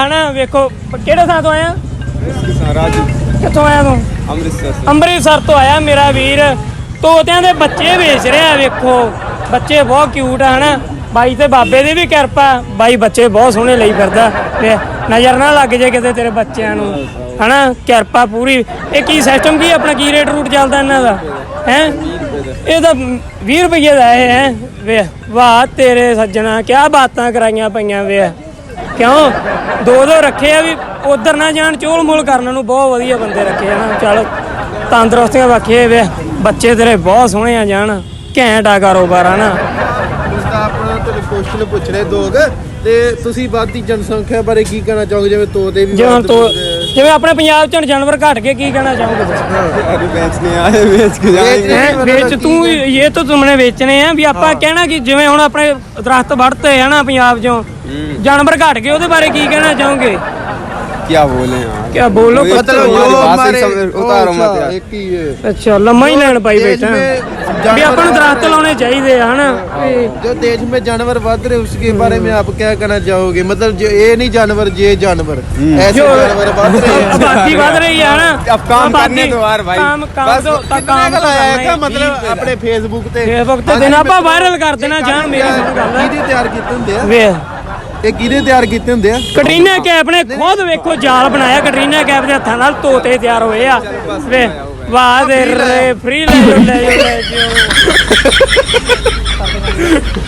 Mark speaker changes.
Speaker 1: ਹਨਾ ਵੇਖੋ ਕਿਹੜੇ ਥਾਂ ਤੋਂ ਆਇਆ
Speaker 2: ਰਾਜੂ
Speaker 1: ਕਿੱਥੋਂ ਆਇਆ ਤੂੰ ਅੰਮ੍ਰਿਤਸਰ ਤੋਂ ਆਇਆ ਮੇਰਾ ਵੀਰ ਤੋਤਿਆਂ ਦੇ ਬੱਚੇ ਵੇਚ ਰਿਹਾ ਵੇਖੋ ਬੱਚੇ ਬਹੁਤ ਕਿਊਟ ਆ ਹਨਾ ਬਾਈ ਤੇ ਬਾਬੇ ਦੀ ਵੀ ਕਿਰਪਾ ਬਾਈ ਬੱਚੇ ਬਹੁਤ ਸੋਹਣੇ ਲਈ ਫਿਰਦਾ ਨਜ਼ਰ ਨਾ ਲੱਗ ਜੇ ਕਿਤੇ ਤੇਰੇ ਬੱਚਿਆਂ ਨੂੰ ਹਨਾ ਕਿਰਪਾ ਪੂਰੀ ਇਹ ਕੀ ਸਿਸਟਮ ਕੀ ਆਪਣਾ ਕੀ ਰੇਟ ਰੂਟ ਚੱਲਦਾ ਇਹਨਾਂ ਦਾ ਹੈ ਇਹ ਤਾਂ 20 ਰੁਪਏ ਦਾ ਇਹ ਹੈ ਵੇ ਵਾਹ ਤੇਰੇ ਸੱਜਣਾ ਕਿਆ ਬਾਤਾਂ ਕਰਾਈਆਂ ਪਈਆਂ ਵੇ ਕਿਉਂ ਦੋ ਰੱਖੇ ਆ ਵੀ ਉਧਰ ਨਾ ਜਾਣ ਚੋਲ ਮੋਲ ਕਰਨ ਨੂੰ ਬਹੁਤ ਵਧੀਆ ਬੰਦੇ ਰੱਖੇ ਆ ਨਾ ਚਲ ਤੰਦਰੁਸਤੀਆਂ ਰੱਖੇ ਵੇ ਬੱਚੇ ਤੇਰੇ ਬਹੁਤ ਸੋਹਣੇ ਆ ਜਾਣ ਘੈਂਟ ਆ ਕਾਰੋਬਾਰ ਆ ਨਾ
Speaker 3: ਆਪਣਾ ਤੁਹਾਨੂੰ ਕੁਐਸਚਨ ਪੁੱਛ ਰਹੇ ਦੋਗ ਤੇ ਤੁਸੀਂ ਵੱਧਦੀ ਜਨਸੰਖਿਆ ਬਾਰੇ ਕੀ ਕਹਿਣਾ ਚਾਹੋਗੇ ਜਿਵੇਂ ਤੋਤੇ ਵੀ
Speaker 1: ਜਿਵੇਂ ਆਪਣੇ ਪੰਜਾਬ ਚ ਜਾਨਵਰ ਘਟ ਗਏ ਕੀ ਕਹਿਣਾ ਚਾਹੋਗੇ ਤੁਸੀਂ
Speaker 2: ਵੇਚਨੇ ਆਏ ਵੇਚ ਕੇ ਜਾਏਂਗੇ
Speaker 1: ਵੇਚ ਤੂੰ ਇਹ ਤਾਂ ਤੁਮਨੇ ਵੇਚਨੇ ਆ ਵੀ ਆਪਾਂ ਕਹਿਣਾ ਕਿ ਜਿਵੇਂ ਹੁਣ ਆਪਣੇ ਦਰਖਤ ਵੱਢਤੇ ਹੈ ਨਾ ਪੰਜਾਬ ਚੋਂ ਜਾਨਵਰ ਘਟ ਗਏ ਉਹਦੇ ਬਾਰੇ ਕੀ ਕਹਿਣਾ ਚਾਹੋਗੇ
Speaker 2: क्या बोले यार
Speaker 1: क्या बोलो
Speaker 3: मतलब जो हमारे
Speaker 2: उतारो मत यार
Speaker 3: एक ही है
Speaker 1: अच्छा लम्मा ही ਲੈਣ ਪਾਈ ਬੈਠਾ ਵੀ ਆਪਾਂ ਨੂੰ ਦਰਖਤ ਲਾਉਣੇ ਚਾਹੀਦੇ ਆ ਹਨਾ
Speaker 3: जो देश में जानवर बढ़ रहे उसके बारे में आप क्या कहना चाहोगे मतलब जो ये नहीं जानवर ये जानवर ऐसे जानवर बढ़ रहे हैं
Speaker 1: आबादी बढ़ रही है ना
Speaker 2: अब काम करने दो यार भाई
Speaker 1: बस काम
Speaker 3: आया मतलब अपने फेसबुक ਤੇ
Speaker 1: ਤੇ ਦਿਨ ਆਪਾਂ ਵਾਇਰਲ ਕਰ ਦੇਣਾ ਜਾਣ ਮੇਰੀ ਸੁਣ ਗੱਲ
Speaker 3: ਕਿਹਦੇ ਤਿਆਰ ਕੀਤੇ ਹੁੰਦੇ ਆ
Speaker 1: ਵੇ
Speaker 3: ਇਹ ਕਿਹਦੇ ਤਿਆਰ ਕੀਤੇ ਹੁੰਦੇ ਆ
Speaker 1: ਕਟਰੀਨਾ ਕੈਫ ਨੇ ਖੁਦ ਵੇਖੋ ਜਾਲ ਬਣਾਇਆ ਕਟਰੀਨਾ ਕੈਫ ਦੇ ਹੱਥਾਂ ਨਾਲ ਤੋਤੇ ਤਿਆਰ ਹੋਏ ਆ ਵੇ ਵਾਹ ਦੇ ਰੇ ਫ੍ਰੀ ਲੈ ਜਾਓ